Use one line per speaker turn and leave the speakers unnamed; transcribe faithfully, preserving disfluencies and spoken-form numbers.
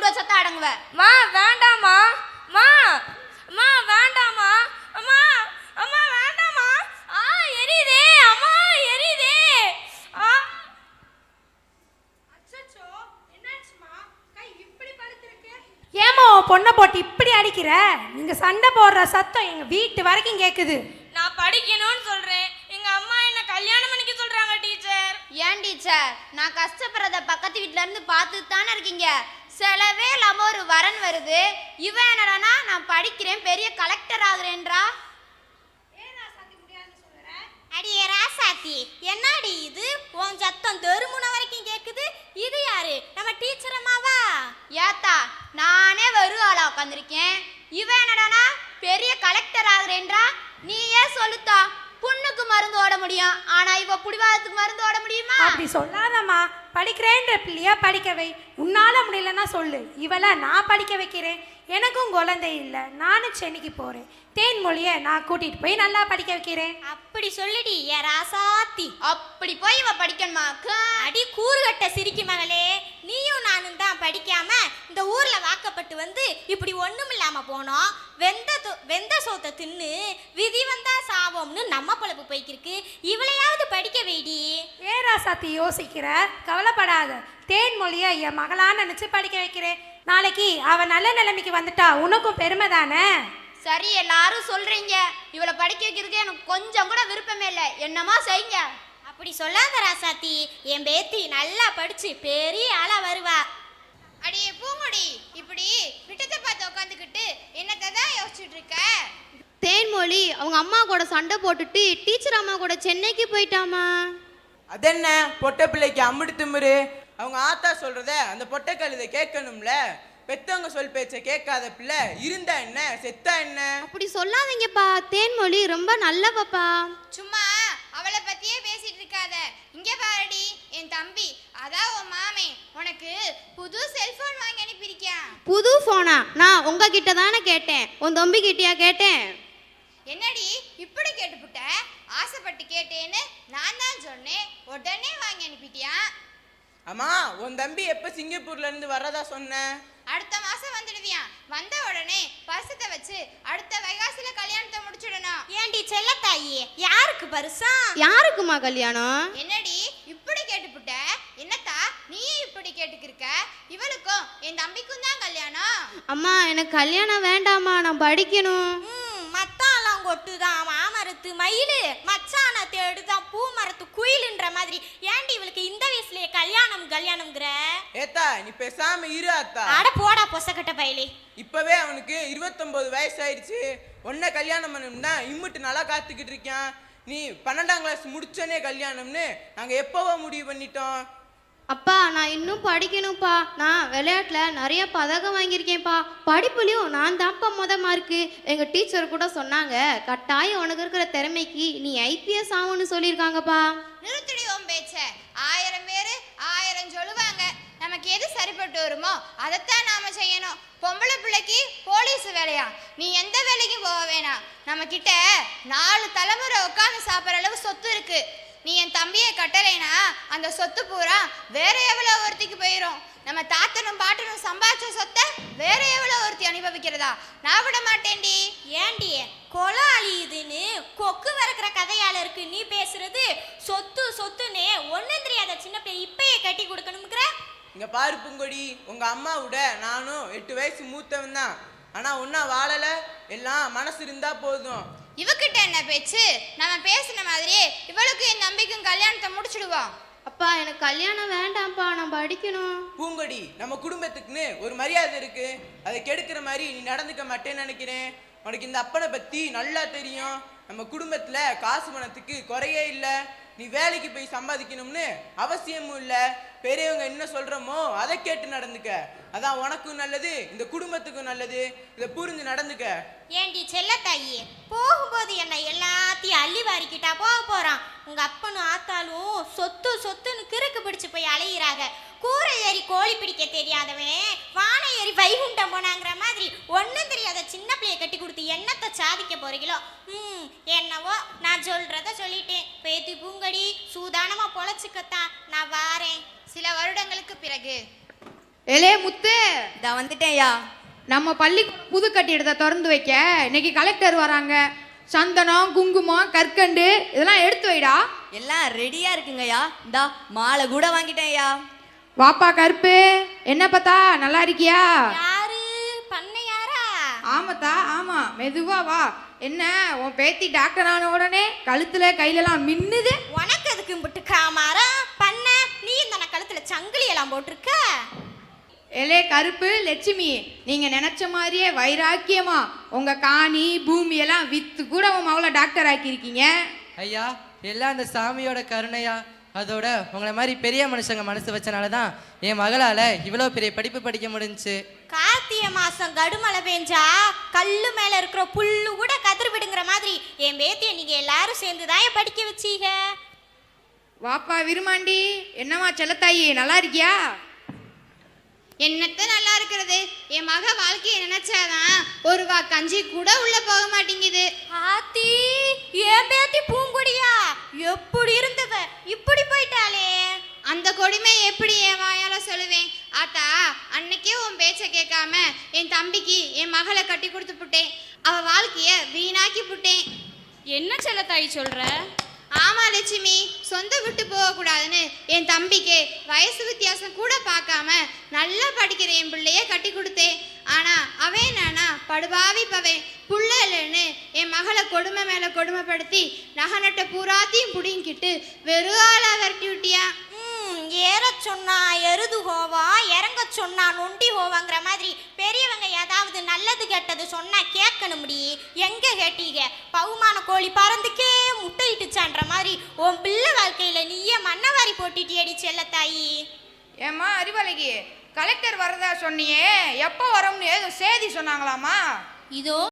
வச்சா அடங்குவ.
மா வேண்டாமா மா மா வேண்டாமா அம்மா அம்மா வேண்டாமா. ஆ எரியுதே அம்மா எரியுதே. ஆ அச்சச்சோ என்னாச்சுமா கை இப்படி படுத்துருக்கு.
ஏமா பொண்ணை போட்டு இப்படி அடிக்கிற? நீங்க சண்டை போடுற சத்தம் எங்க வீட்டு வரைக்கும் கேக்குது.
நான் படிக்கணும்னு சொல்றேன், எங்க அம்மா என்ன கல்யாணம் பண்ணிக்க சொல்றாங்க டீச்சர்.
ஏன் டீச்சர், நான் கஷ்டப்படுறத பக்கத்து வீட்டுல இருந்து பார்த்துட்டு தானே இருக்கீங்க. செலவே இல்லாம ஒரு வரன் வருது, இவன் என்னடானா நான் படிக்கிறேன் பெரிய கலெக்டர் ஆகுறேன்றா. அடியே ராசாத்தி, என்னடி இது உன் சத்தம் தெருமுன வரைக்கும் கேக்குது? இது யாரு? நம்ம டீச்சர் அம்மாவா? ஏத்தா நானே வெறும் ஆளா உட்காந்துருக்கேன், இவன் என்னடானா பெரிய கலெக்டர் ஆகுறேன்றா. நீ ஏன் சொல்லுத்தா, புண்ணுக்கு மருந்து ஓட முடியும், ஆனா இவ புடிவாதத்துக்கு மருந்து ஓட முடியுமா?
அப்படி சொல்லாதம்மா, படிக்கிறேன்ற பிள்ளையா படிக்க வை. உன்னால முடியலன்னா சொல்லு, இவளை நான் படிக்க வைக்கிறேன். எனக்கும் குழந்தை இல்லை, நானும் சென்னைக்கு போறேன். தேன்மொழியை நான் கூட்டிட்டு போய் நல்லா படிக்க வைக்கிறேன்.
அப்படி சொல்லிடி ஏ ராசாத்தி. அப்படி போய் இவ படிக்கணுமா? அடி கூறுகட்ட சிரிக்கி மகளே, நீயும் நானும் தான் படிக்காம இந்த ஊர்ல வாக்கப்பட்டு வந்து இப்படி ஒண்ணும் இல்லாம போனோம். வெந்த வெந்த சோத்தை தின்னு விதி வந்தா சாவோம்னு நம்ம பொழப்பு போய்க்கிருக்கு. இவளையாவது படிக்க வைடி.
ஏ ராசாத்தி யோசிக்கிற? கவலைப்படாத, தேன்மொழியை என் மகளா நினைச்சு படிக்க வைக்கிறேன். நாளைக்கு அவ நல்ல நிலைமைக்கு வந்துட்டா உனக்கும் பெருமை தானே.
சரி, எல்லாரும் சொல்றீங்க, இவளை படிக்க வைக்கிறதுக்கு எனக்கு கொஞ்சம் கூட விருப்பமே இல்லை, என்னமா செய்யுங்க. அப்படி சொல்லாத ராசாத்தி, என் பேத்தி நல்லா படிச்சு பெரிய ஆளா வருவா. அடியே பூங்குடி, இப்படி விட்டத்தை பார்த்து உட்காந்துக்கிட்டு என்னத்தை தான் யோசிச்சுட்டு இருக்க?
தேன்மொழி அவங்க அம்மா கூட சண்டை போட்டுட்டு டீச்சர் அம்மா கூட சென்னைக்கு போயிட்டாமா.
அதென்ன பொட்டை பிள்ளைக்கு அம்முடு திமுரு? அவங்க ஆத்தா சொல்றத அந்த பொட்டை கழுதை கேட்கணும்ல. பெத்தவங்க சொல் பேச்ச கேட்காத பிள்ளை இருந்தா என்ன செத்தா என்ன?
அப்படி சொல்லாதீங்கப்பா, தேன்மொழி ரொம்ப நல்ல பாப்பா.
சும்மா அவளை பத்தியே பேசிட்டு இருக்காத. இங்க பாருடி என் தம்பி, அதான் உன் மாமே உனக்கு புது செல்போன் வாங்கி அனுப்பியிருக்கான்.
புது போனா? நான் உங்ககிட்ட தானே கேட்டேன், உன் தம்பி கிட்டயா கேட்டேன்?
என்னடி இப்படி கேட்டுப்புட்ட? ஆசைப்பட்டு கேட்டேன்னு நான் தான் சொன்னேன், உடனே வாங்கி அனுப்பிட்டியா?
அம்மா, உன் தம்பி எப்ப சிங்கப்பூர்ல இருந்து வர்றதா சொன்ன?
அடுத்த மாசம் வந்துடுவியான். வந்த உடனே பரிசத்தை வச்சு அடுத்த வைகாசில கல்யாணத்தை முடிச்சுடணும். ஏண்டி செல்லத்தாயி, யாருக்கு பரிசா?
யாருக்குமா கல்யாணம்?
என்னடி இப்படி கேட்டுப்புட்ட? என்னத்தா நீ இப்படி கேட்டுக்கிருக்க? இவளுக்கும் என் தம்பிக்கும் தான் கல்யாணம்.
அம்மா எனக்கு கல்யாணம் வேண்டாமா, நான் படிக்கணும்.
மத்தாலாம் கொட்டுதான் மாமரத்து மயிலு, மச்சான தேடுதான் பூ மரத்து குயிலுன்ற மாதிரி. ஏண்டி இவளுக்கு இந்த வயசுலயே கல்யாணம் கல்யாணம்ங்கிற?
ஏத்தா நீ பேசாம இரு அத்தா.
அட போடா பொசக்கட்ட பையலே.
இப்பவே அவனுக்கு இருபத்தொன்பது வயசு ஆயிடுச்சு. ஒன்ன கல்யாணம் பண்ணணும்னா இம்முட்டு நல்லா காத்துக்கிட்டு இருக்கான். நீ பன்னெண்டாம் கிளாஸ் முடிச்சோன்னே கல்யாணம்னு நாங்க எப்பவோ முடிவு பண்ணிட்டோம்.
அப்பா நான் இன்னும் படிக்கணும்ப்பா, நான் விளையாட்டில் நிறைய பதக்கம் வாங்கியிருக்கேன்ப்பா, படிப்புலையும் நான் தான்ப்பா முத மார்க்கு. எங்கள் டீச்சர் கூட சொன்னாங்க, கட்டாயம் உனக்கு இருக்கிற திறமைக்கு நீ ஐபிஎஸ் ஆகும்னு சொல்லியிருக்காங்கப்பா.
நிறுத்தடி உன் பேச்ச. ஆயிரம் பேரு ஆயிரம் சொல்லுவாங்க, நமக்கு எது சரிப்பட்டு வருமோ அதைத்தான் நாம செய்யணும். பொம்பளை பிள்ளைக்கு போலீஸ் வேலையா? நீ எந்த வேலைக்கும் போக வேணாம். நம்ம கிட்ட நாலு தலைமுறை உட்காந்து சாப்பிட்ற அளவு சொத்து இருக்கு. நீ என் தம்பியை கட்டலைனா அந்த சொத்து பூரா வேற எவ்வளோ ஒருத்திக்கு போயிடும். நம்ம தாத்தனும் பாட்டனும் சம்பாதிச்ச சொத்தை வேற எவ்வளோ ஒருத்தி அனுபவிக்கிறதா? நான் விட மாட்டேன்டி. ஏண்டி கொலை அழியுதுன்னு கொக்கு வறக்கிற கதையால இருக்கு நீ பேசுறது? சொத்து சொத்துன்னு ஒன்னும் தெரியாத சின்ன பிள்ளை இப்பயே கட்டி கொடுக்கணுங்கிற?
இங்க பாரு பூங்கொடி, உங்க அம்மாவோட நானும் எட்டு வயசு மூத்தவன் தான். ஆனா ஒன்னா வாழல, எல்லாம் மனசு இருந்தா போதும்.
இவகிட்ட என்ன பேச்சு? நம்ம பேசின மாதிரியே இவளுக்கு என் நம்பிக்கும் கல்யாணத்தை முடிச்சுடுவோம்.
அப்பா எனக்கு கல்யாணம் வேண்டாம்ப்பா, நான் படிக்கணும்.
பூங்கொடி, நம்ம குடும்பத்துக்குன்னு ஒரு மரியாதை இருக்கு, அதை கெடுக்கிற மாதிரி நீ நடந்துக்க மாட்டேன்னு நினைக்கிறேன். உனக்கு இந்த அப்பனை பத்தி நல்லா தெரியும். நம்ம குடும்பத்துல காசு பணத்துக்கு குறையே இல்லை. நீ வேலைக்கு போய் சம்பாதிக்கணும்னு அவசியமும் இல்லை. பெரியவங்க என்ன சொல்றோமோ அதை கேட்டு நடந்துக்க. அதான் உனக்கும் நல்லது, இந்த குடும்பத்துக்கும் நல்லது. இதை புரிஞ்சு நடந்துக்க.
ஏண்டி செல்லத்தாயி, போகும்போது என்ன எல்லாத்தையும் அள்ளி வாரிக்கிட்டா போக போறான்? உங்க அப்பனும் ஆத்தாலும் சொத்து சொத்துன்னு கிறுக்கு பிடிச்சு போய் அலையிறாங்க. கூரை ஏறி கோழி பிடிக்க தெரியாதவன் வானை ஏறி வைகுண்டம் போனாங்கிற மாதிரி ஒன்றும் தெரியாத சின்ன பிள்ளைய கட்டி கொடுத்து என்னத்தை சாதிக்க போறீங்களோ? ம் என்னவோ, நான் சொல்றத சொல்லிட்டேன். பேத்தி பூங்கடி, சூதானமா பொழைச்சுக்கத்தான் நான் வாரேன். சில வருடங்களுக்கு பிறகு
ஏலே முத்து,
இதா வந்துட்டேன்யா.
நம்ம பள்ளி புது கட்டிடத்தை திறந்து வைக்க இன்னைக்கு கலெக்டர் வராங்க. சந்தனம், குங்குமம், கற்கண்டு இதெல்லாம் எடுத்து வைடா.
எல்லாம் ரெடியா இருக்குங்கய்யா. இந்தா மாலை கூட வாங்கிட்டேன்யா.
வாப்பா கருப்பு, என்ன பார்த்தா நல்லா இருக்கியா?
யாரு பண்ணையாரா?
ஆமாத்தா ஆமா, மெதுவா வா. என்ன உன் பேத்தி டாக்டர் ஆன உடனே கழுத்துல கையிலலாம் மின்னுது.
உனக்கு அதுக்கு புட்டு காமாரா பண்ண? நீ இந்த கழுத்துல சங்கிலி எல்லாம் போட்டிருக்க.
எலே கருப்பு லட்சுமி, நீங்க நினைச்ச மாதிரியே வைராக்கியமா உங்க காணி பூமி எல்லாம் வித்து கூட உன் மகளை டாக்டர் ஆக்கியிருக்கீங்க.
ஐயா, எல்லாம் அந்த சாமியோட கருணையா. அதோட உங்களை மாதிரி பெரிய மனுஷங்க மனசு வச்சனால தான் என் மகளால் இவ்வளோ பெரிய படிப்பு படிக்க முடிஞ்சுச்சு.
கார்த்திகை மாசம் கடுமழை பெஞ்சா கல்லு மேல இருக்கிற புல்லு கூட கதிர் விடுங்கிற மாதிரி என் பேத்திய நீங்க எல்லாரும் சேர்ந்து தான் படிக்க வச்சீங்க.
வாப்பா விருமாண்டி, என்னம்மா செல்லத்தாயி நல்லா இருக்கியா?
என்னத்த நல்லா இருக்கிறது, என் மக வாழ்க்கையை நினைச்சாதான் ஒரு வா கஞ்சி கூட உள்ள போக மாட்டேங்குது.
ஆத்தி, என் பேத்தி பூங்குடியா எப்படி இருந்தவ இப்படி போயிட்டாளே.
அந்த கொடுமை எப்படி என் வாயால சொல்லுவேன்? ஆத்தா, அன்னைக்கே உன் பேச்ச கேட்காம என் தம்பிக்கு என் மகளை கட்டி கொடுத்து புட்டேன். அவ வாழ்க்கைய வீணாக்கி புட்டேன்.
என்ன செல்லத்தாயி சொல்ற?
ஆமா லட்சுமி, சொந்த விட்டு போகக்கூடாதுன்னு என் தம்பிக்கு வயசு வித்தியாசம் கூட பார்க்காம நல்லா படிக்கிற என் பிள்ளைய கட்டி கொடுத்தேன். ஆனா அவன் நானா படுபாவி பவன் புள்ள இல்லைன்னு என் மகளை கொடுமை மேல கொடுமைப்படுத்தி நகநட்ட பூராத்தையும் புடிங்கிட்டு வெறும் ஆளா விரட்டி விட்டியா.
ஏற சொன்னா எருது ஹோவா, இறங்க சொன்னா நொண்டி ஹோவாங்கிற மாதிரி பெரியவங்க ஏதாவது நல்லது கெட்டது சொன்னா கேட்கணும் முடி. எங்க கேட்டீங்க? பவுமான கோழி பறந்துக்கே முட்டையிட்டுச்சான்ற மாதிரி உன் பிள்ளை வாழ்க்கையில நீயே மண்ணவாரி போட்டிட்டியடி செல்லத்தாயி.
ஏம்மா அறிவாளிகி, கலெக்டர் வரதா சொன்னியே, எப்போ வரும்னு ஏதோ செய்தி சொன்னாங்களாமா?
இதோ